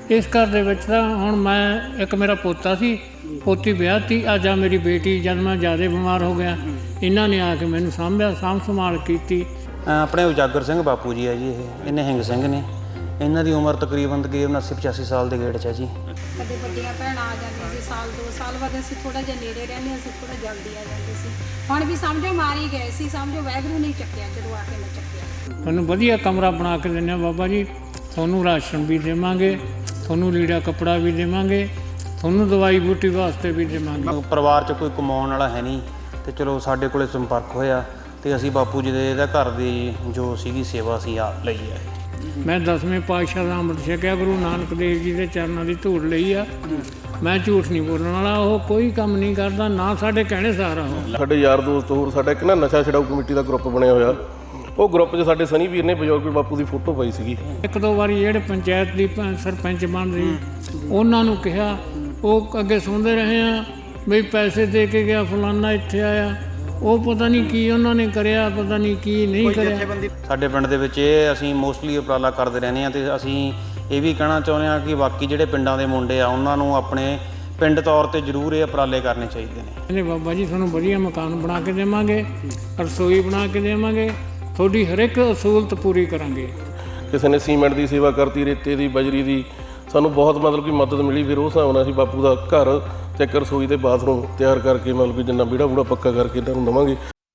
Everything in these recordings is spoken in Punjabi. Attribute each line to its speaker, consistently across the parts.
Speaker 1: इस घर ਦੇ ਵਿੱਚ ਤਾਂ ਹੁਣ ਮੈਂ ਇੱਕ ਮੇਰਾ ਪੋਤਾ ਸੀ, ਪੋਤੀ ਵਿਆਹਤੀ, ਅੱਜ ਆ ਮੇਰੀ ਬੇਟੀ। ਜਦ ਮੈਂ ਜ਼ਿਆਦਾ ਬਿਮਾਰ ਹੋ ਗਿਆ ਇਹਨਾਂ ਨੇ ਆ ਕੇ ਮੈਨੂੰ ਸਾਂਭਿਆ, ਸਾਂਭ ਸੰਭਾਲ ਕੀਤੀ।
Speaker 2: ਆਪਣੇ ਉਜਾਗਰ ਸਿੰਘ ਬਾਪੂ ਜੀ ਹੈ ਜੀ, ਇਹ ਨਿਹੰਗ ਸਿੰਘ ਨੇ। ਇਹਨਾਂ ਦੀ ਉਮਰ ਤਕਰੀਬਨ 80-85 ਸਾਲ ਦੇ ਗੇੜ 'ਚ ਹੈ ਜੀ।
Speaker 3: ਕਦੇ ਵੱਡੀਆਂ ਭੈਣਾਂ ਆ ਜਾਂਦੀਆਂ ਸੀ, ਸਾਲ 2 ਸਾਲ ਬਾਅਦ ਅਸੀਂ ਥੋੜ੍ਹਾ ਜਿਹਾ ਨੇੜੇ ਰਹਿੰਦੇ ਅਸੀਂ ਥੋੜ੍ਹਾ ਜਲਦੀ ਆ ਜਾਂਦੇ ਸੀ। ਹੁਣ ਵੀ ਸਮਝੋ ਮਾਰੀ ਗਏ ਸੀ, ਸਮਝੋ ਵਾਹਿਗੁਰੂ ਨਹੀਂ ਚੱਕਿਆ ਜਦੋਂ ਆ ਕੇ ਮੈਂ ਚੱਕਿਆ।
Speaker 1: ਤੁਹਾਨੂੰ ਵਧੀਆ ਕਮਰਾ ਬਣਾ ਕੇ ਦਿੰਦੇ ਹਾਂ ਬਾਬਾ ਜੀ, ਤੁਹਾਨੂੰ ਰਾਸ਼ਨ ਵੀ ਦੇਵਾਂਗੇ, ਤੁਹਾਨੂੰ ਲੀੜਾ ਕੱਪੜਾ ਵੀ ਦੇਵਾਂਗੇ, ਤੁਹਾਨੂੰ ਦਵਾਈ ਬੂਟੀ ਵਾਸਤੇ ਵੀ ਦੇਵਾਂਗੇ।
Speaker 2: ਪਰਿਵਾਰ 'ਚ ਕੋਈ ਕਮਾਉਣ ਵਾਲਾ ਹੈ ਨਹੀਂ ਤੇ ਚਲੋ ਸਾਡੇ ਕੋਲੇ ਸੰਪਰਕ ਹੋਇਆ ਤੇ ਅਸੀਂ ਬਾਪੂ ਜੀ ਦੇ ਇਹਦਾ ਘਰ ਦੀ ਜੋ ਸੀਗੀ ਸੇਵਾ ਅਸੀਂ ਆ ਲਈ ਹੈ।
Speaker 1: ਮੈਂ 10ਵੇਂ ਪਾਤਸ਼ਾਹ ਦਾ ਅੰਮ੍ਰਿਤ ਛਕਿਆ, ਗੁਰੂ ਨਾਨਕ ਦੇਵ ਜੀ ਦੇ ਚਰਨਾਂ ਦੀ ਧੂੜ ਲਈ ਆ। ਮੈਂ ਝੂਠ ਨਹੀਂ ਬੋਲਣ ਵਾਲਾ, ਉਹ ਕੋਈ ਕੰਮ ਨਹੀਂ ਕਰਦਾ, ਨਾ ਸਾਡੇ ਕਹਿਣੇ ਸਾਰਾ ਉਹ।
Speaker 4: ਸਾਡੇ ਯਾਰ ਦੋਸਤ ਹੋਰ ਸਾਡਾ ਇੱਕ ਨਾ ਨਸ਼ਾ ਛਡਾਊ ਕਮੇਟੀ ਦਾ ਗਰੁੱਪ ਬਣਿਆ ਹੋਇਆ, ਉਹ ਗਰੁੱਪ 'ਚ ਸਾਡੇ ਸਨੀ ਵੀਰ ਨੇ ਬਜ਼ੁਰਗ ਬਾਪੂ ਦੀ ਫੋਟੋ ਪਾਈ ਸੀਗੀ।
Speaker 1: ਇੱਕ ਦੋ ਵਾਰੀ ਜਿਹੜੇ ਪੰਚਾਇਤ ਦੀ ਸਰਪੰਚ ਬਣ ਰਹੀ ਉਹਨਾਂ ਨੂੰ ਕਿਹਾ, ਉਹ ਅੱਗੇ ਸੁਣਦੇ ਰਹੇ ਆ ਬਈ ਪੈਸੇ ਦੇ ਕੇ ਗਿਆ ਫਲਾਨਾ ਇੱਥੇ ਆਇਆ, ਉਹ ਪਤਾ ਨਹੀਂ ਕੀ ਉਹਨਾਂ ਨੇ ਕਰਿਆ, ਪਤਾ ਨਹੀਂ ਕੀ ਨਹੀਂ ਕਰਿਆ।
Speaker 2: ਸਾਡੇ ਪਿੰਡ ਦੇ ਵਿੱਚ ਇਹ ਅਸੀਂ ਮੋਸਟਲੀ ਉਪਰਾਲਾ ਕਰਦੇ ਰਹਿੰਦੇ ਹਾਂ ਤੇ ਅਸੀਂ ਇਹ ਵੀ ਕਹਿਣਾ ਚਾਹੁੰਦੇ ਹਾਂ ਕਿ ਬਾਕੀ ਜਿਹੜੇ ਪਿੰਡਾਂ ਦੇ ਮੁੰਡੇ ਆ ਉਹਨਾਂ ਨੂੰ ਆਪਣੇ ਪਿੰਡ ਤੌਰ ਤੇ ਜ਼ਰੂਰ ਇਹ ਉਪਰਾਲੇ ਕਰਨੇ ਚਾਹੀਦੇ ਨੇ।
Speaker 1: ਕਹਿੰਦੇ ਬਾਬਾ ਜੀ ਤੁਹਾਨੂੰ ਵਧੀਆ ਮਕਾਨ ਬਣਾ ਕੇ ਦੇਵਾਂਗੇ, ਰਸੋਈ ਬਣਾ ਕੇ ਦੇਵਾਂਗੇ, ਤੁਹਾਡੀ ਹਰ ਇੱਕ ਅਸੂਲਤ ਪੂਰੀ ਕਰਾਂਗੇ।
Speaker 4: ਕਿਸੇ ਨੇ ਸੀਮੈਂਟ ਦੀ ਸੇਵਾ ਕਰਤੀ, ਰੇਤੇ ਦੀ, ਬਜਰੀ ਦੀ, ਸਾਨੂੰ ਬਹੁਤ ਮਤਲਬ ਕਿ ਮਦਦ ਮਿਲੀ। ਫਿਰ ਉਸ ਹਿਸਾਬ ਨਾਲ ਅਸੀਂ ਬਾਪੂ ਦਾ ਘਰ ਤੇ ਇੱਕ ਰਸੋਈ ਤੇ ਬਾਥਰੂਮ ਤਿਆਰ ਕਰਕੇ ਮਤਲਬ ਕਿ ਜਿੰਨਾ ਵਿਹੜਾ ਬੂੜਾ ਪੱਕਾ ਕਰਕੇ ਇਹਨਾਂ ਨੂੰ ਦੇਵਾਂਗੇ।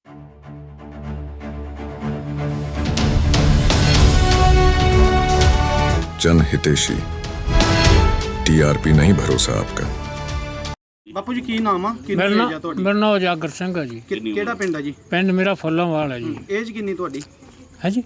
Speaker 5: जन हितेशी टीआरपी नहीं भरोसा आपका।
Speaker 6: ਬਾਪੂ ਜੀ ਕੀ ਨਾਮ ਆ? ਕਿੰਨੀ
Speaker 1: ਮੇਰਾ
Speaker 6: ਏਜ ਆ ਤੁਹਾਡੀ?
Speaker 1: ਨਾਮ ਉਜਾਗਰ ਸਿੰਘ ਆ ਜੀ।
Speaker 6: ਕਿਹੜਾ ਪਿੰਡ ਆ ਜੀ?
Speaker 1: ਪਿੰਡ ਮੇਰਾ ਫੁੱਲਾਂਵਾਲ ਹੈ ਜੀ।
Speaker 6: ਏਜ ਕਿੰਨੀ ਤੁਹਾਡੀ?
Speaker 1: ਹੈ ਜੀ,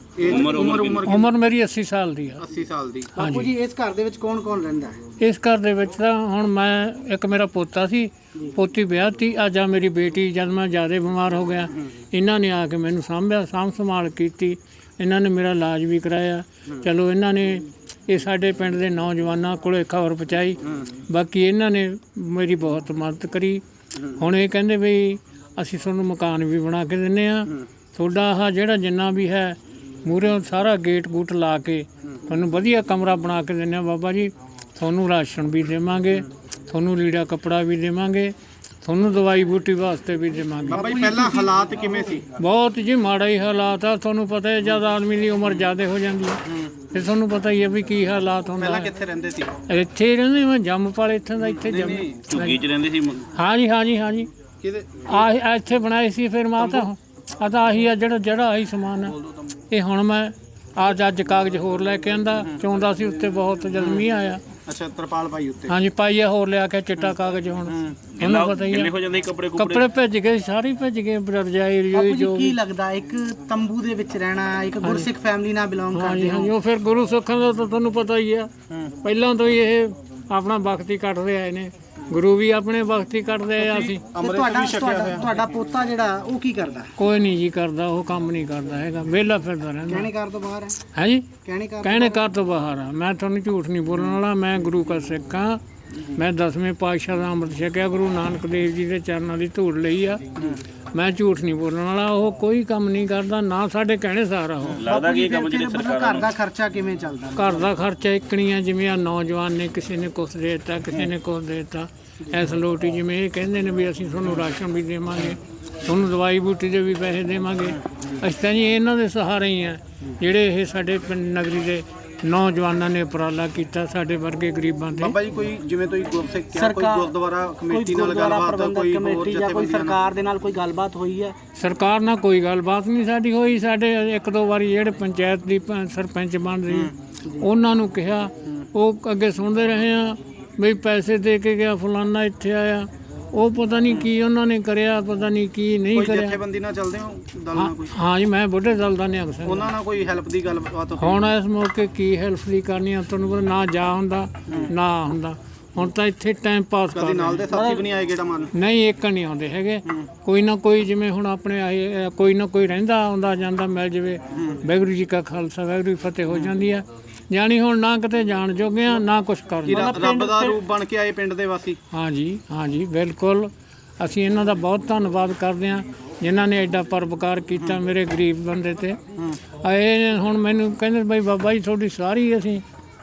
Speaker 1: ਉਮਰ ਮੇਰੀ 80 ਸਾਲ ਦੀ ਆ।
Speaker 6: 80 ਸਾਲ ਦੀ।
Speaker 1: ਬਾਪੂ
Speaker 6: ਜੀ ਇਸ ਘਰ ਦੇ ਵਿੱਚ ਕੌਣ ਕੌਣ ਰਹਿੰਦਾ ਹੈ?
Speaker 1: ਇਸ ਘਰ ਦੇ ਵਿੱਚ ਤਾਂ ਹੁਣ ਮੈਂ ਇੱਕ ਮੇਰਾ ਪੋਤਾ ਸੀ, ਪੋਤੀ ਵਿਆਹਤੀ, ਅੱਜ ਆ ਮੇਰੀ ਬੇਟੀ। ਜਦ ਮੈਂ ਜ਼ਿਆਦਾ ਬਿਮਾਰ ਹੋ ਗਿਆ ਇਹਨਾਂ ਨੇ ਆ ਕੇ ਮੈਨੂੰ ਸਾਂਭਿਆ, ਸਾਂਭ ਸੰਭਾਲ ਕੀਤੀ। ਇਹਨਾਂ ਨੇ ਮੇਰਾ ਇਲਾਜ ਵੀ ਕਰਾਇਆ। ਚਲੋ ਇਹਨਾਂ ਨੇ ਇਹ ਸਾਡੇ ਪਿੰਡ ਦੇ ਨੌਜਵਾਨਾਂ ਕੋਲ ਖਬਰ ਪਹੁੰਚਾਈ, ਬਾਕੀ ਇਹਨਾਂ ਨੇ ਮੇਰੀ ਬਹੁਤ ਮਦਦ ਕਰੀ। ਹੁਣ ਇਹ ਕਹਿੰਦੇ ਵੀ ਅਸੀਂ ਤੁਹਾਨੂੰ ਮਕਾਨ ਵੀ ਬਣਾ ਕੇ ਦਿੰਦੇ ਹਾਂ, ਤੁਹਾਡਾ ਆਹ ਜਿਹੜਾ ਜਿੰਨਾ ਵੀ ਹੈ ਮੂਹਰੇ ਸਾਰਾ ਗੇਟ ਗੂਟ ਲਾ ਕੇ ਤੁਹਾਨੂੰ ਵਧੀਆ ਕਮਰਾ ਬਣਾ ਕੇ ਦਿੰਦੇ ਹਾਂ ਬਾਬਾ ਜੀ। ਤੁਹਾਨੂੰ ਰਾਸ਼ਨ ਵੀ ਦੇਵਾਂਗੇ, ਤੁਹਾਨੂੰ ਲੀੜਾ ਕੱਪੜਾ ਵੀ ਦੇਵਾਂਗੇ, ਤੁਹਾਨੂੰ ਦਵਾਈ ਬੂਟੀ ਵਾਸਤੇ ਵੀ ਦੇਵਾਂਗੇ।
Speaker 6: ਬਾਬਾ ਜੀ ਪਹਿਲਾਂ ਹਾਲਾਤ ਕਿਵੇਂ ਸੀ?
Speaker 1: ਬਹੁਤ ਜੀ ਮਾੜਾ ਹੀ ਹਾਲਾਤ ਆ। ਤੁਹਾਨੂੰ ਪਤਾ ਹੈ ਜਦ ਆਦਮੀ ਦੀ ਉਮਰ ਜ਼ਿਆਦਾ ਹੋ ਜਾਂਦੀ ਹੈ ਤੇ ਤੁਹਾਨੂੰ ਪਤਾ ਹੀ ਹੈ ਵੀ ਕੀ ਹਾਲਾਤ ਹੁੰਦਾ।
Speaker 6: ਪਹਿਲਾਂ ਕਿੱਥੇ ਰਹਿੰਦੇ ਸੀ?
Speaker 1: ਇੱਥੇ ਹੀ ਰਹਿੰਦੇ, ਮੈਂ ਜੰਮਪਲ ਇੱਥੇ ਦਾ ਇੱਥੇ ਜੰਮ
Speaker 6: ਝੁੱਗੀ 'ਚ ਰਹਿੰਦੇ ਸੀ?
Speaker 1: ਹਾਂਜੀ ਹਾਂਜੀ ਹਾਂਜੀ,
Speaker 6: ਕਿਹਦੇ?
Speaker 1: ਆਹ ਇੱਥੇ ਬਣਾਈ ਸੀ। ਫਿਰ ਮਾਤਾ ਆ ਤਾਂ ਆਹੀ ਆ ਜਿਹੜਾ ਆਹੀ ਸਮਾਨ ਆ। ਇਹ ਹੁਣ ਮੈਂ ਅੱਜ ਕਾਗਜ਼ ਹੋਰ ਲੈ ਕੇ ਆਂਦਾ, ਚਾਹੁੰਦਾ ਸੀ ਉੱਤੇ ਬਹੁਤ ਜਦ ਮੀਂਹ ਆਇਆ।
Speaker 6: ਅੱਛਾ, ਤਰਪਾਲ ਪਾਈ ਉੱਤੇ?
Speaker 1: ਹਾਂਜੀ ਪਾਈ ਆ, ਹੋਰ ਲਿਆ ਕੇ ਚਿੱਟਾ ਕਾਗਜ਼। ਹੁਣ ਤੁਹਾਨੂੰ ਪਤਾ ਹੀ ਆ ਕੱਪੜੇ ਭਿੱਜ ਗਏ, ਸਾਰੇ ਭਿੱਜ ਗਏ, ਰਜਾਈ ਰਜੂਈ ਜੋ
Speaker 7: ਕੀ ਲੱਗਦਾ ਇੱਕ ਤੰਬੂ ਦੇ ਵਿੱਚ ਰਹਿਣਾ, ਇੱਕ ਗੁਰਸਿੱਖ ਫੈਮਿਲੀ ਨਾਲ ਬਿਲੋਂਗ ਕਰਦੇ ਹੋ?
Speaker 1: ਹਾਂਜੀ, ਉਹ ਫਿਰ ਗੁਰੂ ਸਿੱਖਾਂ ਦਾ ਤਾਂ ਤੁਹਾਨੂੰ ਪਤਾ ਹੀ ਆ, ਪਹਿਲਾਂ ਤੋਂ ਹੀ ਇਹ ਆਪਣਾ ਵਕਤ ਹੀ ਕੱਢਦੇ ਆਏ ਨੇ। ਗੁਰੂ ਵੀ ਆਪਣੇ ਵਕਤ ਹੀ ਕੱਢਦੇ ਆ। ਅਸੀਂ
Speaker 7: ਤੁਹਾਡਾ ਪੋਤਾ ਜਿਹੜਾ ਉਹ ਕੀ ਕਰਦਾ?
Speaker 1: ਕੋਈ ਨਹੀਂ ਜੀ ਕਰਦਾ, ਉਹ ਕੰਮ ਨਹੀਂ ਕਰਦਾ ਹੈਗਾ, ਵਿਹਲਾ ਫਿਰਦਾ ਰਹਿੰਦਾ।
Speaker 7: ਕਹਿਣੇ ਘਰ ਤੋਂ ਬਾਹਰ ਹੈ?
Speaker 1: ਹੈ ਜੀ,
Speaker 7: ਕਹਿਣੇ
Speaker 1: ਘਰ ਤੋਂ ਬਾਹਰ ਆ। ਮੈਂ ਤੁਹਾਨੂੰ ਝੂਠ ਨਹੀਂ ਬੋਲਣ ਵਾਲਾ, ਮੈਂ ਗੁਰੂ ਕਾ ਸਿੱਖ ਹਾਂ। ਮੈਂ 10ਵੇਂ ਪਾਤਸ਼ਾਹ ਦਾ ਅੰਮ੍ਰਿਤ ਛਕਿਆ, ਗੁਰੂ ਨਾਨਕ ਦੇਵ ਜੀ ਦੇ ਚਰਨਾਂ ਦੀ ਧੂੜ ਲਈ ਆ। ਮੈਂ ਝੂਠ ਨਹੀਂ ਬੋਲਣ ਵਾਲਾ, ਉਹ ਕੋਈ ਕੰਮ ਨਹੀਂ ਕਰਦਾ, ਨਾ ਸਾਡੇ ਕਹਿਣੇ ਸਾਰਾ ਉਹ।
Speaker 6: ਲੱਗਦਾ ਕਿ ਕੰਮ ਜਿਹੜੇ
Speaker 7: ਘਰ ਦਾ ਖਰਚਾ ਕਿਵੇਂ ਚੱਲਦਾ?
Speaker 1: ਘਰ ਦਾ ਖਰਚਾ ਇਕਣੀਆਂ, ਜਿਵੇਂ ਆ ਨੌਜਵਾਨ ਨੇ, ਕਿਸੇ ਨੇ ਕੁਛ ਦੇ ਦਿੱਤਾ, ਕਿਸੇ ਨੇ ਕੁਛ ਦੇ ਦਿੱਤਾ। ਇਸ ਲੋਟੀ ਜਿਵੇਂ ਇਹ ਕਹਿੰਦੇ ਨੇ ਵੀ ਅਸੀਂ ਤੁਹਾਨੂੰ ਰਾਸ਼ਨ ਵੀ ਦੇਵਾਂਗੇ, ਤੁਹਾਨੂੰ ਦਵਾਈ ਬੂਟੀ ਦੇ ਵੀ ਪੈਸੇ ਦੇਵਾਂਗੇ। ਅਸੀਂ ਤਾਂ ਜੀ ਇਹਨਾਂ ਦੇ ਸਹਾਰੇ ਹੀ ਆ, ਜਿਹੜੇ ਇਹ ਸਾਡੇ ਪਿੰਡ ਨਗਰੀ ਦੇ ਨੌਜਵਾਨਾਂ ਨੇ ਉਪਰਾਲਾ ਕੀਤਾ ਸਾਡੇ ਵਰਗੇ ਗਰੀਬਾਂ ਤੇ।
Speaker 6: ਬਾਬਾ ਜੀ ਕੋਈ ਜਿਵੇਂ ਤੁਸੀਂ ਗੁਰਸਿੱਖ ਕਿਹਾ, ਕੋਈ ਗੁਰਦੁਆਰਾ ਕਮੇਟੀ ਨਾਲ ਗੱਲਬਾਤ, ਕੋਈ ਹੋਰ
Speaker 7: ਜਾਂ ਕੋਈ ਸਰਕਾਰ ਦੇ ਨਾਲ ਕੋਈ ਗੱਲਬਾਤ ਹੋਈ ਹੈ?
Speaker 1: ਸਰਕਾਰ ਨਾਲ ਕੋਈ ਗੱਲਬਾਤ ਨਹੀਂ ਸਾਡੀ ਹੋਈ। ਸਾਡੇ ਇੱਕ ਦੋ ਵਾਰੀ ਜਿਹੜੇ ਪੰਚਾਇਤ ਦੀ ਸਰਪੰਚ ਬਣ ਰਹੀ ਉਹਨਾਂ ਨੂੰ ਕਿਹਾ, ਉਹ ਅੱਗੇ ਸੁਣਦੇ ਰਹੇ ਆ ਬਈ ਪੈਸੇ ਦੇ ਕੇ ਗਿਆ ਫਲਾਨਾ ਇੱਥੇ ਆਇਆ, ਉਹ ਪਤਾ ਨਹੀਂ ਕੀ ਉਹਨਾਂ ਨੇ ਕਰਿਆ, ਪਤਾ ਨਹੀਂ ਕੀ ਨਹੀਂ ਕਰਿਆ।
Speaker 6: ਜਥੇਬੰਦੀ ਨਾਲ ਚੱਲਦੇ ਹੋ? ਦਲ ਨਾਲ ਕੋਈ?
Speaker 1: ਹਾਂ ਜੀ, ਮੈਂ ਬੁੱਢੇ ਦਲ ਦਾ ਨਿਹੰਗ ਸਿੰਘ।
Speaker 6: ਉਹਨਾਂ ਨਾਲ ਕੋਈ ਹੈਲਪ ਦੀ ਗੱਲਬਾਤ ਹੋਈ?
Speaker 1: ਹੁਣ ਇਸ ਮੌਕੇ ਕੀ ਹੈਲਪ ਦੀ ਕਰਨੀ ਆ, ਤੁਹਾਨੂੰ ਪਤਾ ਨਾ ਜਾ ਹੁੰਦਾ ਨਾ ਹੁੰਦਾ। ਹੁਣ ਤਾਂ ਇੱਥੇ ਟਾਈਮ ਪਾਸ
Speaker 6: ਕਦੇ ਨਾਲ ਦੇ ਸਾਥੀ ਵੀ ਨਹੀਂ ਆਏ ਗੇੜਾ ਮਾਰਨ?
Speaker 1: ਨਹੀਂ, ਇੱਕ ਨਹੀਂ ਆਉਂਦੇ ਹੈਗੇ। ਕੋਈ ਨਾ ਕੋਈ ਜਿਵੇਂ ਹੁਣ ਆਪਣੇ ਆਏ, ਕੋਈ ਨਾ ਕੋਈ ਰਹਿੰਦਾ ਆਉਂਦਾ ਜਾਂਦਾ, ਮਿਲ ਜਾਵੇ। ਵਾਹਿਗੁਰੂ ਜੀ ਕਾ ਖਾਲਸਾ ਵਾਹਿਗੁਰੂ ਜੀ ਫਤਿਹ ਹੋ ਜਾਂਦੀ ਆ। ਜਾਣੀ ਹੁਣ ਨਾ ਕਿਤੇ ਜਾਣ ਜੋਗੇ ਆ, ਨਾ ਕੁਛ ਕਰਨਾ।
Speaker 6: ਰੱਬ ਦਾ ਰੂਪ ਬਣ ਕੇ ਆਏ ਪਿੰਡ ਦੇ ਵਾਸੀ।
Speaker 1: ਹਾਂਜੀ ਹਾਂਜੀ, ਬਿਲਕੁਲ। ਅਸੀਂ ਇਹਨਾਂ ਦਾ ਬਹੁਤ ਧੰਨਵਾਦ ਕਰਦੇ ਹਾਂ ਜਿਨ੍ਹਾਂ ਨੇ ਐਡਾ ਪਰਉਪਕਾਰ ਕੀਤਾ ਮੇਰੇ ਗਰੀਬ ਬੰਦੇ ਤੇ। ਇਹ ਹੁਣ ਮੈਨੂੰ ਕਹਿੰਦੇ ਬਈ ਬਾਬਾ ਜੀ ਤੁਹਾਡੀ ਸਾਰੀ ਅਸੀਂ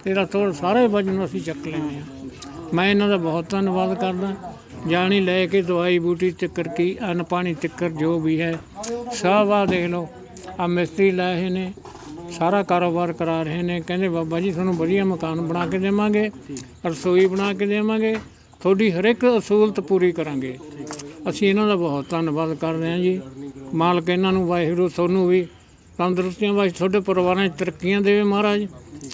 Speaker 1: ਤੇਰਾ ਤੋੜ ਸਾਰੇ ਵਜਨ ਅਸੀਂ ਚੱਕ ਲੈਂਦੇ ਹਾਂ। ਮੈਂ ਇਹਨਾਂ ਦਾ ਬਹੁਤ ਧੰਨਵਾਦ ਕਰਦਾ। ਜਾਣੀ ਲੈ ਕੇ ਦਵਾਈ ਬੂਟੀ ਤਿੱਕਰ ਕੀ ਅੰਨ ਪਾਣੀ ਤਿੱਕਰ ਜੋ ਵੀ ਹੈ ਸਭ ਆ ਦੇਖ ਲਓ, ਆ ਮਿਸਤਰੀ ਲਾਏ ਨੇ, ਸਾਰਾ ਕਾਰੋਬਾਰ ਕਰਾ ਰਹੇ ਨੇ। ਕਹਿੰਦੇ ਬਾਬਾ ਜੀ ਤੁਹਾਨੂੰ ਵਧੀਆ ਮਕਾਨ ਬਣਾ ਕੇ ਦੇਵਾਂਗੇ, ਰਸੋਈ ਬਣਾ ਕੇ ਦੇਵਾਂਗੇ, ਤੁਹਾਡੀ ਹਰ ਇੱਕ ਅਸੂਲਤ ਪੂਰੀ ਕਰਾਂਗੇ। ਅਸੀਂ ਇਹਨਾਂ ਦਾ ਬਹੁਤ ਧੰਨਵਾਦ ਕਰਦੇ ਹਾਂ ਜੀ। ਮਾਲਕ ਇਹਨਾਂ ਨੂੰ ਵਾਹਿਗੁਰੂ ਤੁਹਾਨੂੰ ਵੀ ਤੰਦਰੁਸਤੀਆਂ ਵਾਸਤੇ ਤੁਹਾਡੇ ਪਰਿਵਾਰਾਂ 'ਚ ਤਰੱਕੀਆਂ ਦੇਵੇ ਮਹਾਰਾਜ।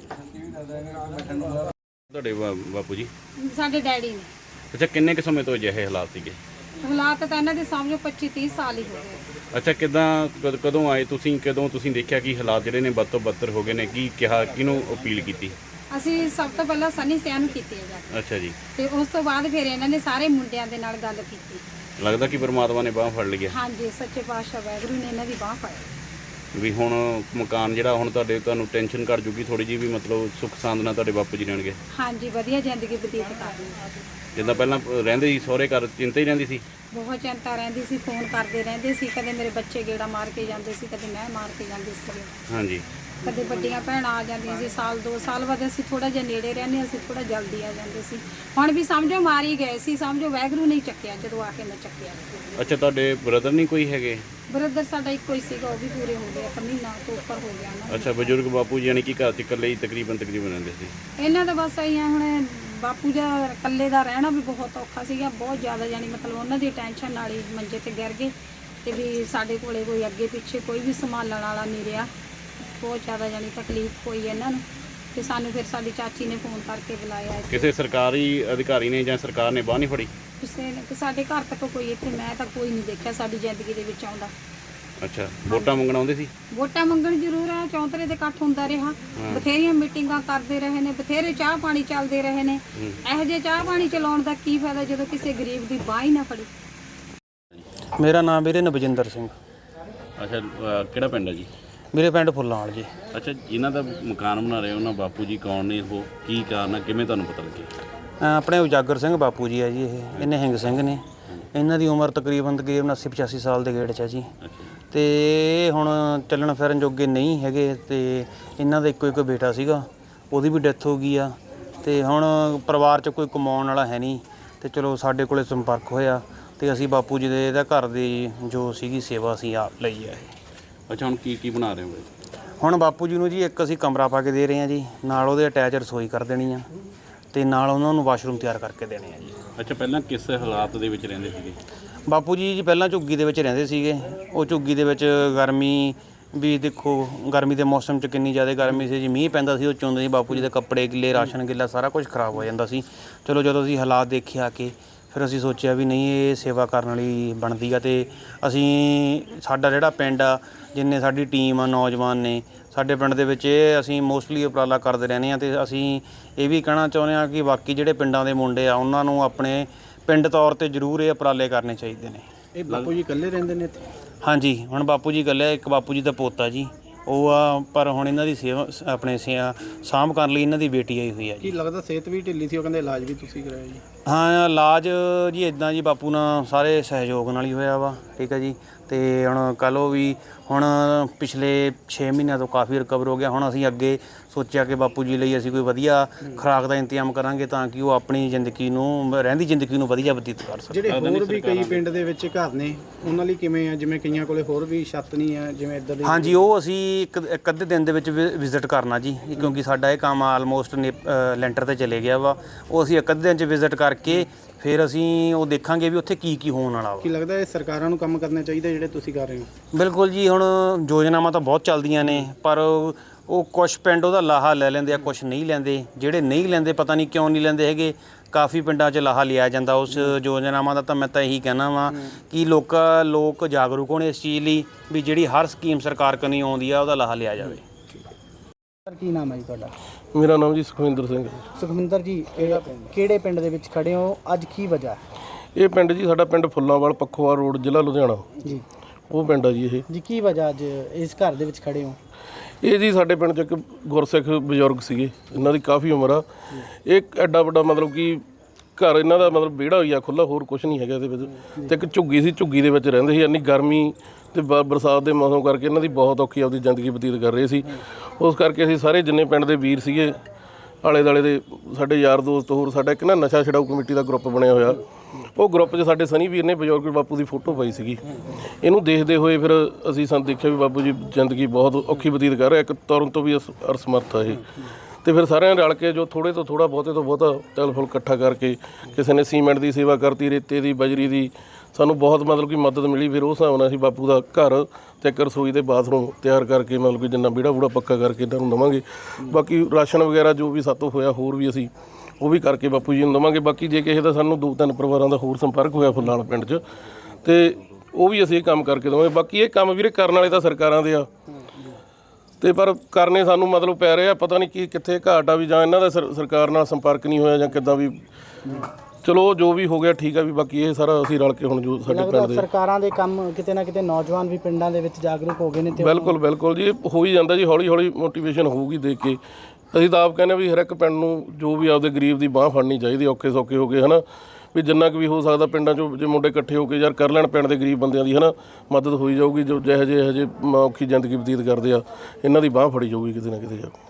Speaker 8: ਤੁਹਾਡੇ ਬਾਪੂ ਜੀ
Speaker 3: ਸਾਡੇ ਡੈਡੀ ਨੇ।
Speaker 8: ਅੱਛਾ, ਕਿੰਨੇ ਕੁ ਸਮੇਂ ਤੋਂ ਅਜਿਹੇ ਹਾਲਾਤ ਸੀਗੇ?
Speaker 3: ਹਾਲਾਤ ਤਾਂ ਇਹਨਾਂ ਦੇ ਸਮਝੋ 25-30 ਸਾਲ ਹੀ ਹੋ ਗਏ।
Speaker 8: ਅੱਛਾ, ਕਦੋਂ ਆਏ ਤੁਸੀਂ? ਕਦੋਂ ਤੁਸੀਂ ਦੇਖਿਆ ਕਿ ਹਾਲਾਤ ਜਿਹੜੇ ਨੇ ਬਦ ਤੋਂ ਬਦਤਰ ਹੋ ਗਏ ਨੇ? ਕੀ ਕਿਹਾ, ਕਿਹਨੂੰ ਅਪੀਲ ਕੀਤੀ?
Speaker 3: ਅਸੀਂ ਸਭ ਤੋਂ ਪਹਿਲਾਂ ਸਨੀ ਸਿਆਂ ਨੂੰ ਕੀਤੀ ਹੈ ਜਾ
Speaker 8: ਅੱਛਾ ਜੀ।
Speaker 3: ਤੇ ਉਸ ਤੋਂ ਬਾਅਦ ਫਿਰ ਇਹਨਾਂ ਨੇ ਸਾਰੇ ਮੁੰਡਿਆਂ ਦੇ ਨਾਲ ਗੱਲ ਕੀਤੀ।
Speaker 8: ਲੱਗਦਾ ਕਿ ਪਰਮਾਤਮਾ ਨੇ ਬਾਂਹ ਫੜ ਲਈ ਹੈ।
Speaker 3: ਹਾਂਜੀ, ਸੱਚੇ ਪਾਤਸ਼ਾਹ ਵਾਹਿਗੁਰੂ ਨੇ ਇਹਨਾਂ ਦੀ ਬਾਂਹ ਫੜੀ।
Speaker 8: ਵੀ ਹੁਣ ਮਕਾਨ ਜਿਹੜਾ ਹੁਣ ਤੁਹਾਨੂੰ ਟੈਨਸ਼ਨ ਘੱਟ ਜੂਗੀ ਥੋੜੀ ਜਿਹੀ, ਵੀ ਮਤਲਬ ਸੁੱਖ ਸਾਂਦ ਨਾਲ ਤੁਹਾਡੇ ਬਾਪੂ ਜੀ ਰਹਿਣਗੇ।
Speaker 3: ਹਾਂਜੀ, ਵਧੀਆ ਜ਼ਿੰਦਗੀ ਬਤੀਤ ਕਰਨੀ।
Speaker 8: ਜਿੱਦਾਂ ਪਹਿਲਾਂ ਰਹਿੰਦੇ ਸੀ ਸਹੁਰੇ ਘਰ, ਚਿੰਤਾ ਹੀ ਰਹਿੰਦੀ ਸੀ।
Speaker 3: ਬਹੁਤ ਚਿੰਤਾ ਰਹਿੰਦੀ ਸੀ, ਫੋਨ ਕਰਦੇ ਰਹਿੰਦੇ ਸੀ। ਕਦੇ ਮੇਰੇ ਬੱਚੇ ਗੇੜਾ ਮਾਰ ਕੇ ਜਾਂਦੇ ਸੀ, ਕਦੇ ਮੈਂ ਮਾਰ ਕੇ ਜਾਂਦੀ ਸੀ।
Speaker 8: ਹਾਂਜੀ।
Speaker 3: ਕਦੇ ਵੱਡੀਆਂ ਭੈਣਾਂ ਆ ਜਾਂਦੀਆਂ ਸੀ, ਸਾਲ 2 ਸਾਲ ਬਾਅਦ ਅਸੀਂ ਥੋੜਾ ਜਿਹਾ ਨੇੜੇ ਰਹਿੰਦੇ, ਅਸੀਂ ਥੋੜਾ ਜਲਦੀ ਆ ਜਾਂਦੇ ਸੀ। ਹੁਣ ਵੀ ਸਮਝੋ ਮਾਰ ਹੀ ਗਏ ਸੀ, ਸਮਝੋ ਵਾਹਿਗੁਰੂ ਨਹੀਂ ਚੱਕਿਆ ਜਦੋਂ ਆ ਕੇ ਮੈਂ ਚੱਕਿਆ।
Speaker 8: ਅੱਛਾ, ਤੁਹਾਡੇ ਬ੍ਰਦਰ ਨਹੀਂ ਕੋਈ ਹੈਗੇ?
Speaker 3: ਬ੍ਰਦਰ ਸਾਡਾ ਇੱਕੋ ਹੀ ਸੀਗਾ, ਉਹ ਵੀ ਪੂਰੇ ਹੋ ਗਏ, 1 ਮਹੀਨਾ ਤੋਂ ਉੱਪਰ ਹੋ ਗਿਆ ਉਹਨਾਂ ਨੂੰ।
Speaker 8: ਅੱਛਾ, ਬਜ਼ੁਰਗ ਬਾਪੂ ਜੀ ਯਾਨੀ ਕਿ ਘਰ 'ਚ ਇਕੱਲੇ ਹੀ ਤਕਰੀਬਨ ਰਹਿੰਦੇ ਸੀ।
Speaker 3: ਇਹਨਾਂ ਦਾ ਬਸ ਆਈ ਹੁਣ ਬਾਪੂ ਦਾ ਇਕੱਲੇ ਦਾ ਰਹਿਣਾ ਵੀ ਬਹੁਤ ਔਖਾ ਸੀਗਾ, ਬਹੁਤ ਜ਼ਿਆਦਾ। ਯਾਨੀ ਮਤਲਬ ਉਹਨਾਂ ਦੀ ਟੈਨਸ਼ਨ ਨਾਲ ਹੀ ਮੰਜੇ ਤੇ ਗਿਰ ਗਏ ਤੇ ਵੀ ਸਾਡੇ ਕੋਲੇ ਕੋਈ ਅੱਗੇ ਪਿੱਛੇ ਕੋਈ ਵੀ ਸੰਭਾਲਣ ਵਾਲਾ ਨਹੀਂ ਰਿਹਾ। ਬਹੁਤ ਜ਼ਿਆਦਾ ਯਾਨੀ ਤਕਲੀਫ ਹੋਈ ਇਹਨਾਂ ਨੂੰ ਤੇ ਸਾਨੂੰ ਫਿਰ ਸਾਡੀ ਚਾਚੀ ਨੇ ਫੋਨ ਕਰਕੇ ਬੁਲਾਇਆ।
Speaker 8: ਕਿਸੇ ਸਰਕਾਰੀ ਅਧਿਕਾਰੀ ਨੇ ਜਾਂ ਸਰਕਾਰ ਨੇ ਬਾਂਹ ਨਹੀਂ ਫੜੀ?
Speaker 3: ਕਿਸੇ ਨੇ ਸਾਡੇ ਘਰ ਤੱਕ ਕੋਈ ਇੱਥੇ ਮੈਂ ਤਾਂ ਕੋਈ ਨਹੀਂ ਦੇਖਿਆ ਸਾਡੀ ਜ਼ਿੰਦਗੀ ਦੇ ਵਿੱਚ ਆਉਂਦਾ।
Speaker 8: ਅੱਛਾ, ਵੋਟਾਂ ਮੰਗਣ ਆਉਂਦੇ ਸੀ?
Speaker 3: ਵੋਟਾਂ ਮੰਗਣ ਜ਼ਰੂਰ ਆ, ਚੌਂਤਰੇ ਦੇ ਇਕੱਠ ਹੁੰਦਾ ਰਿਹਾ, ਬਥੇਰੀਆਂ ਮੀਟਿੰਗਾਂ ਕਰਦੇ ਰਹੇ ਨੇ, ਬਥੇਰੇ ਚਾਹ ਪਾਣੀ ਚੱਲਦੇ ਰਹੇ ਨੇ। ਇਹੋ ਜਿਹੇ ਚਾਹ ਪਾਣੀ ਚਲਾਉਣ ਦਾ ਕੀ ਫਾਇਦਾ ਜਦੋਂ ਕਿਸੇ ਗਰੀਬ ਦੀ ਬਾਂਹ ਹੀ ਨਾ ਫੜੀ।
Speaker 2: ਮੇਰਾ ਨਾਮ ਵੀਰੇ ਨਵਜਿੰਦਰ ਸਿੰਘ।
Speaker 8: ਅੱਛਾ, ਕਿਹੜਾ ਪਿੰਡ ਹੈ ਜੀ?
Speaker 2: ਮੇਰੇ ਪਿੰਡ ਫੁੱਲਾਂਵਾਲ ਜੀ।
Speaker 8: ਅੱਛਾ, ਜਿਨ੍ਹਾਂ ਦਾ ਮਕਾਨ ਬਣਾ ਰਹੇ ਉਹਨਾਂ ਬਾਪੂ ਜੀ ਕੌਣ ਨੇ, ਉਹ ਕੀ ਕਾਰਨ ਹੈ, ਕਿਵੇਂ ਤੁਹਾਨੂੰ ਪਤਾ ਲੱਗਿਆ?
Speaker 2: ਆਪਣੇ ਉਜਾਗਰ ਸਿੰਘ ਬਾਪੂ ਜੀ ਹੈ ਜੀ। ਇਹ ਨਿਹੰਗ ਸਿੰਘ ਨੇ। ਇਹਨਾਂ ਦੀ ਉਮਰ ਤਕਰੀਬਨ 80-85 ਸਾਲ ਦੇ ਗੇੜ 'ਚ ਹੈ ਜੀ। ਤੇ ਇਹ ਹੁਣ ਚੱਲਣ ਫਿਰਨ ਜੋਗੇ ਨਹੀਂ ਹੈਗੇ ਤੇ ਇਹਨਾਂ ਦਾ ਇੱਕੋ ਬੇਟਾ ਸੀਗਾ, ਉਹਦੀ ਵੀ ਡੈਥ ਹੋ ਗਈ ਆ। ਤੇ ਹੁਣ ਪਰਿਵਾਰ 'ਚ ਕੋਈ ਕਮਾਉਣ ਵਾਲਾ ਹੈ ਨਹੀਂ ਤੇ ਚਲੋ ਸਾਡੇ ਕੋਲੇ ਸੰਪਰਕ ਹੋਇਆ ਤੇ ਅਸੀਂ ਬਾਪੂ ਜੀ ਦੇ ਇਹਦਾ ਘਰ ਦੀ ਜੋ ਸੀਗੀ ਸੇਵਾ ਅਸੀਂ ਆਪ ਲਈ ਹੈ।
Speaker 8: ਅੱਛਾ, ਹੁਣ ਕੀ ਬਣਾ ਰਹੇ ਹੋ?
Speaker 2: ਹੁਣ ਬਾਪੂ ਜੀ ਨੂੰ ਜੀ ਇੱਕ ਅਸੀਂ ਕਮਰਾ ਪਾ ਕੇ ਦੇ ਰਹੇ ਹਾਂ ਜੀ, ਨਾਲ ਉਹਦੇ ਅਟੈਚ ਰਸੋਈ ਕਰ ਦੇਣੀ ਆ ਤੇ ਨਾਲ ਉਹਨਾਂ ਨੂੰ ਵਾਸ਼ਰੂਮ ਤਿਆਰ ਕਰਕੇ ਦੇਣੇ ਆ ਜੀ।
Speaker 8: ਅੱਛਾ, ਪਹਿਲਾਂ ਕਿਸ ਹਾਲਾਤ ਦੇ ਵਿੱਚ ਰਹਿੰਦੇ ਸੀਗੇ
Speaker 2: ਬਾਪੂ ਜੀ ਪਹਿਲਾਂ ਝੁੱਗੀ ਦੇ ਵਿੱਚ ਰਹਿੰਦੇ ਸੀਗੇ। ਉਹ ਝੁੱਗੀ ਦੇ ਵਿੱਚ ਗਰਮੀ ਵੀ ਦੇਖੋ, ਗਰਮੀ ਦੇ ਮੌਸਮ 'ਚ ਕਿੰਨੀ ਜ਼ਿਆਦਾ ਗਰਮੀ ਸੀ ਜੀ। ਮੀਂਹ ਪੈਂਦਾ ਸੀ, ਉਹ 'ਚ ਹੁੰਦੇ ਸੀ ਬਾਪੂ ਜੀ ਦੇ ਕੱਪੜੇ ਗਿੱਲੇ, ਰਾਸ਼ਨ ਗਿੱਲਾ, ਸਾਰਾ ਕੁਝ ਖਰਾਬ ਹੋ ਜਾਂਦਾ ਸੀ। ਚਲੋ ਜਦੋਂ ਅਸੀਂ ਹਾਲਾਤ ਦੇਖੇ ਆ ਕੇ ਫਿਰ ਅਸੀਂ ਸੋਚਿਆ ਵੀ ਨਹੀਂ, ਇਹ ਸੇਵਾ ਕਰਨ ਵਾਲੀ ਬਣਦੀ ਆ। ਤੇ ਅਸੀਂ ਸਾਡਾ ਜਿਹੜਾ ਪਿੰਡ ਆ, ਜਿੰਨੇ ਸਾਡੀ ਟੀਮ ਆ, ਨੌਜਵਾਨ ਨੇ ਸਾਡੇ ਪਿੰਡ ਦੇ ਵਿੱਚ, ਇਹ ਅਸੀਂ ਮੋਸਟਲੀ ਉਪਰਾਲਾ ਕਰਦੇ ਰਹਿੰਦੇ ਹਾਂ। ਤੇ ਅਸੀਂ ਇਹ ਵੀ ਕਹਿਣਾ ਚਾਹੁੰਦੇ ਹਾਂ ਕਿ ਬਾਕੀ ਜਿਹੜੇ ਪਿੰਡਾਂ ਦੇ ਮੁੰਡੇ ਆ ਉਹਨਾਂ ਨੂੰ ਆਪਣੇ ਪਿੰਡ ਤੌਰ ਤੇ ਜ਼ਰੂਰ ਇਹ ਉਪਰਾਲੇ ਕਰਨੇ ਚਾਹੀਦੇ ਨੇ।
Speaker 6: ਇਹ ਬਾਪੂ ਜੀ ਇਕੱਲੇ ਰਹਿੰਦੇ ਨੇ ਇੱਥੇ?
Speaker 2: ਹਾਂਜੀ, ਹੁਣ ਬਾਪੂ ਜੀ ਇਕੱਲੇ, ਇੱਕ ਬਾਪੂ ਜੀ ਦਾ ਪੋਤਾ ਜੀ ਉਹ ਆ, ਪਰ ਹੁਣ ਇਹਨਾਂ ਦੀ ਸੇਵਾ ਆਪਣੇ ਸਾਂਭ ਕਰਨ ਲਈ ਇਹਨਾਂ ਦੀ ਬੇਟੀ ਆਈ ਹੋਈ ਆ ਜੀ।
Speaker 6: ਕੀ ਲੱਗਦਾ ਸਿਹਤ ਵੀ ਢਿੱਲੀ ਸੀ, ਉਹ ਕਹਿੰਦੇ ਇਲਾਜ ਵੀ ਤੁਸੀਂ ਕਰਾਇਆ ਜੀ?
Speaker 2: ਹਾਂ, ਇਲਾਜ ਜੀ ਇੱਦਾਂ ਜੀ ਬਾਪੂ ਨਾਲ ਸਾਰੇ ਸਹਿਯੋਗ ਨਾਲ ਹੀ ਹੋਇਆ ਵਾ। ਠੀਕ ਹੈ ਜੀ। ਤੇ ਹੁਣ ਕੱਲ੍ਹ ਉਹ ਵੀ ਹੁਣ ਪਿਛਲੇ 6 ਮਹੀਨਿਆਂ ਤੋਂ ਕਾਫੀ ਰਿਕਵਰ ਹੋ ਗਿਆ। ਹੁਣ ਅਸੀਂ ਅੱਗੇ ਸੋਚਿਆ ਕਿ ਬਾਪੂ ਜੀ ਲਈ ਅਸੀਂ ਕੋਈ ਵਧੀਆ ਖੁਰਾਕ ਦਾ ਇੰਤਜ਼ਾਮ ਕਰਾਂਗੇ ਤਾਂ ਕਿ ਉਹ ਆਪਣੀ ਜ਼ਿੰਦਗੀ ਨੂੰ, ਰਹਿੰਦੀ ਜ਼ਿੰਦਗੀ ਨੂੰ ਵਧੀਆ ਬਤੀਤ ਕਰ ਸਕਣ।
Speaker 6: ਜਿਹੜੇ ਹੋਰ ਵੀ ਕਈ ਪਿੰਡ ਦੇ ਵਿੱਚ ਘਰ ਨੇ ਉਹਨਾਂ ਲਈ ਕਿਵੇਂ ਆ? ਜਿਵੇਂ ਕਈਆਂ ਕੋਲੇ ਹੋਰ ਵੀ ਛੱਤ ਨਹੀਂ ਆ, ਜਿਵੇਂ ਇੱਦਾਂ ਦੇ?
Speaker 2: ਹਾਂਜੀ, ਉਹ ਅਸੀਂ ਇੱਕ ਅੱਧੇ ਦਿਨ ਦੇ ਵਿੱਚ ਵਿਜ਼ਿਟ ਕਰਨਾ ਜੀ, ਕਿਉਂਕਿ ਸਾਡਾ ਇਹ ਕੰਮ ਆਲਮੋਸਟ ਲੈਂਟਰ ਤੇ ਚਲੇ ਗਿਆ ਵਾ। ਉਹ ਅਸੀਂ ਇੱਕ ਅੱਧੇ ਦਿਨ 'ਚ ਵਿਜ਼ਿਟ ਕਰਕੇ ਫਿਰ ਅਸੀਂ ਉਹ ਦੇਖਾਂਗੇ ਵੀ ਉੱਥੇ ਕੀ ਹੋਣ ਵਾਲਾ ਵਾ।
Speaker 6: ਕੀ ਲੱਗਦਾ ਇਹ ਸਰਕਾਰਾਂ ਨੂੰ ਕੰਮ ਕਰਨਾ ਚਾਹੀਦਾ ਜਿਹੜੇ ਤੁਸੀਂ ਕਰ ਰਹੇ ਹੋ?
Speaker 2: ਬਿਲਕੁਲ ਜੀ। ਹੁਣ ਯੋਜਨਾਵਾਂ ਤਾਂ ਬਹੁਤ ਚੱਲਦੀਆਂ ਨੇ, ਪਰ ਉਹ ਕੁਛ ਪਿੰਡ ਉਹਦਾ ਲਾਹਾ ਲੈ ਲੈਂਦੇ ਆ, ਕੁਛ ਨਹੀਂ ਲੈਂਦੇ। ਜਿਹੜੇ ਨਹੀਂ ਲੈਂਦੇ ਪਤਾ ਨਹੀਂ ਕਿਉਂ ਨਹੀਂ ਲੈਂਦੇ ਹੈਗੇ। ਕਾਫੀ ਪਿੰਡਾਂ 'ਚ ਲਾਹਾ ਲਿਆ ਜਾਂਦਾ ਉਸ ਯੋਜਨਾਵਾਂ ਦਾ। ਤਾਂ ਮੈਂ ਤਾਂ ਇਹੀ ਕਹਿਣਾ ਵਾਂ ਕਿ ਲੋਕ ਜਾਗਰੂਕ ਹੋਣ ਇਸ ਚੀਜ਼ ਲਈ ਵੀ ਜਿਹੜੀ ਹਰ ਸਕੀਮ ਸਰਕਾਰ ਕਨੀ ਆਉਂਦੀ ਆ ਉਹਦਾ ਲਾਹਾ ਲਿਆ ਜਾਵੇ।
Speaker 7: ਸਰ, ਕੀ ਨਾਮ ਹੈ ਜੀ ਤੁਹਾਡਾ?
Speaker 4: ਮੇਰਾ ਨਾਮ ਜੀ ਸੁਖਵਿੰਦਰ ਸਿੰਘ ਹੈ।
Speaker 7: ਸੁਖਵਿੰਦਰ ਜੀ, ਕਿਹੜੇ ਪਿੰਡ ਦੇ ਵਿੱਚ ਖੜੇ ਹੋ? ਅੱਜ ਕੀ ਵਜ੍ਹਾ?
Speaker 4: ਇਹ ਪਿੰਡ ਜੀ ਸਾਡਾ ਪਿੰਡ ਫੁੱਲਾਂਵਾਲ, ਪੱਖੋਵਾਲ ਰੋਡ, ਜ਼ਿਲ੍ਹਾ ਲੁਧਿਆਣਾ ਜੀ। ਉਹ ਪਿੰਡ ਆ ਜੀ ਇਹ
Speaker 7: ਜੀ। ਕੀ ਵਜ੍ਹਾ ਅੱਜ ਇਸ ਘਰ ਦੇ ਵਿੱਚ ਖੜੇ ਹੋ?
Speaker 4: ਇਹ ਜੀ ਸਾਡੇ ਪਿੰਡ 'ਚ ਇੱਕ ਗੁਰਸਿੱਖ ਬਜ਼ੁਰਗ ਸੀਗੇ, ਇਹਨਾਂ ਦੀ ਕਾਫੀ ਉਮਰ ਆ। ਇਹ ਐਡਾ ਵੱਡਾ ਮਤਲਬ ਕਿ ਘਰ ਇਹਨਾਂ ਦਾ ਮਤਲਬ ਵਿਹੜਾ ਹੋਈ ਆ ਖੁੱਲ੍ਹਾ, ਹੋਰ ਕੁਛ ਨਹੀਂ ਹੈਗਾ ਇਹਦੇ ਵਿੱਚ। ਤੇ ਇੱਕ ਝੁੱਗੀ ਸੀ, ਝੁੱਗੀ ਦੇ ਵਿੱਚ ਰਹਿੰਦੇ ਸੀ। ਇੰਨੀ ਗਰਮੀ ਤੇ ਬਰਸਾਤ ਦੇ ਮੌਸਮ ਕਰਕੇ ਇਹਨਾਂ ਦੀ ਬਹੁਤ ਔਖੀ ਆਪਦੀ ਜ਼ਿੰਦਗੀ ਬਤੀਤ ਕਰ ਰਹੇ ਸੀ। ਉਸ ਕਰਕੇ ਅਸੀਂ ਸਾਰੇ ਜਿੰਨੇ ਪਿੰਡ ਦੇ ਵੀਰ ਸੀਗੇ ਆਲੇ ਦੁਆਲੇ ਦੇ ਸਾਡੇ ਯਾਰ ਦੋਸਤ, ਹੋਰ ਸਾਡਾ ਇੱਕ ਨਾ ਨਸ਼ਾ ਛਡਾਊ ਕਮੇਟੀ ਦਾ ਗਰੁੱਪ ਬਣਿਆ ਹੋਇਆ, ਉਹ ਗਰੁੱਪ 'ਚ ਸਾਡੇ ਸਨੀ ਵੀਰ ਨੇ ਬਜ਼ੁਰਗ ਬਾਪੂ ਦੀ ਫੋਟੋ ਪਾਈ ਸੀਗੀ। ਇਹਨੂੰ ਦੇਖਦੇ ਹੋਏ ਫਿਰ ਅਸੀਂ ਦੇਖਿਆ ਵੀ ਬਾਪੂ ਜੀ ਜ਼ਿੰਦਗੀ ਬਹੁਤ ਔਖੀ ਬਤੀਤ ਕਰ ਰਿਹਾ, ਇੱਕ ਤੁਰਨ ਤੋਂ ਵੀ ਅਸਮਰਥ ਆ ਇਹ। ਤੇ ਫਿਰ ਸਾਰਿਆਂ ਨੇ ਰਲ ਕੇ ਜੋ ਥੋੜ੍ਹੇ ਤੋਂ ਥੋੜ੍ਹਾ, ਬਹੁਤੇ ਤੋਂ ਬਹੁਤਾ ਤਿਲ ਫੁੱਲ ਇਕੱਠਾ ਕਰਕੇ, ਕਿਸੇ ਨੇ ਸੀਮੈਂਟ ਦੀ ਸੇਵਾ ਕਰਤੀ, ਰੇਤੇ ਦੀ, ਬਜਰੀ ਦੀ, ਸਾਨੂੰ ਬਹੁਤ ਮਤਲਬ ਕਿ ਮਦਦ ਮਿਲੀ। ਫਿਰ ਉਸ ਹਿਸਾਬ ਨਾਲ ਅਸੀਂ ਬਾਪੂ ਦਾ ਘਰ ਤੇ ਇੱਕ ਰਸੋਈ ਤੇ ਬਾਥਰੂਮ ਤਿਆਰ ਕਰਕੇ ਮਤਲਬ ਕਿ ਜਿੰਨਾ ਵਿਹੜਾ ਵੂੜਾ ਪੱਕਾ ਕਰਕੇ ਇਹਨਾਂ ਨੂੰ ਦੇਵਾਂਗੇ। ਬਾਕੀ ਰਾਸ਼ਨ ਵਗੈਰਾ ਜੋ ਵੀ ਸਾਤੋਂ ਹੋਇਆ ਹੋਰ ਵੀ ਅਸੀਂ ਉਹ ਵੀ ਕਰਕੇ ਬਾਪੂ ਜੀ ਨੂੰ ਦੇਵਾਂਗੇ। ਬਾਕੀ ਜੇ ਕਿਸੇ ਦਾ ਸਾਨੂੰ 2-3 ਪਰਿਵਾਰਾਂ ਦਾ ਹੋਰ ਸੰਪਰਕ ਹੋਇਆ ਫੁੱਲਾਲ ਪਿੰਡ 'ਚ, ਤੇ ਉਹ ਵੀ ਅਸੀਂ ਇਹ ਕੰਮ ਕਰਕੇ ਦੇਵਾਂਗੇ। ਬਾਕੀ ਇਹ ਕੰਮ ਵੀਰੇ ਕਰਨ ਵਾਲੇ ਤਾਂ ਸਰਕਾਰਾਂ ਦੇ ਆ, ਤੇ ਪਰ ਕਰਨੇ ਸਾਨੂੰ ਮਤਲਬ ਪੈ ਰਿਹਾ, ਪਤਾ ਨਹੀਂ ਕੀ ਕਿੱਥੇ ਘਾਟ ਆ ਵੀ, ਜਾਂ ਇਹਨਾਂ ਦਾ ਸਰਕਾਰ ਨਾਲ ਸੰਪਰਕ ਨਹੀਂ ਹੋਇਆ ਜਾਂ ਕਿੱਦਾਂ ਵੀ। ਚਲੋ ਜੋ ਵੀ ਹੋ ਗਿਆ ਠੀਕ ਆ ਵੀ, ਬਾਕੀ ਇਹ ਸਾਰਾ ਅਸੀਂ ਰਲ ਕੇ ਹੁਣ ਜੋ ਸਾਡੇ ਪਿੰਡ ਦੇ
Speaker 7: ਸਰਕਾਰਾਂ ਦੇ ਕੰਮ ਕਿਤੇ ਨਾ ਕਿਤੇ ਨੌਜਵਾਨ ਵੀ ਪਿੰਡਾਂ ਦੇ ਵਿੱਚ ਜਾਗਰੂਕ ਹੋ ਗਏ ਨੇ। ਤੇ
Speaker 4: ਬਿਲਕੁਲ ਜੀ, ਹੋ ਹੀ ਜਾਂਦਾ ਜੀ, ਹੌਲੀ ਹੌਲੀ ਮੋਟੀਵੇਸ਼ਨ ਹੋਊਗੀ ਦੇਖ ਕੇ। ਅਸੀਂ ਤਾਂ ਆਪ ਕਹਿੰਦੇ ਵੀ ਹਰ ਇੱਕ ਪਿੰਡ ਨੂੰ ਜੋ ਵੀ ਆਪਦੇ ਗਰੀਬ ਦੀ ਬਾਂਹ ਫੜਨੀ ਚਾਹੀਦੀ, ਔਖੇ ਸੌਖੇ ਹੋ ਕੇ, ਹੈ ਨਾ, ਵੀ ਜਿੰਨਾ ਕੁ ਵੀ ਹੋ ਸਕਦਾ ਪਿੰਡਾਂ 'ਚੋਂ ਜੇ ਮੁੰਡੇ ਇਕੱਠੇ ਹੋ ਕੇ ਯਾਰ ਕਰ ਲੈਣ ਪਿੰਡ ਦੇ ਗਰੀਬ ਬੰਦਿਆਂ ਦੀ, ਹੈ ਨਾ, ਮਦਦ ਹੋਈ ਜਾਊਗੀ। ਜੋ ਜਿਹੋ ਜਿਹੇ ਔਖੀ ਜ਼ਿੰਦਗੀ ਬਤੀਤ ਕਰਦੇ ਆ, ਇਹਨਾਂ ਦੀ ਬਾਂਹ ਫੜੀ ਜਾਊਗੀ ਕਿਤੇ ਨਾ ਕਿਤੇ ਜਾ ਕੇ।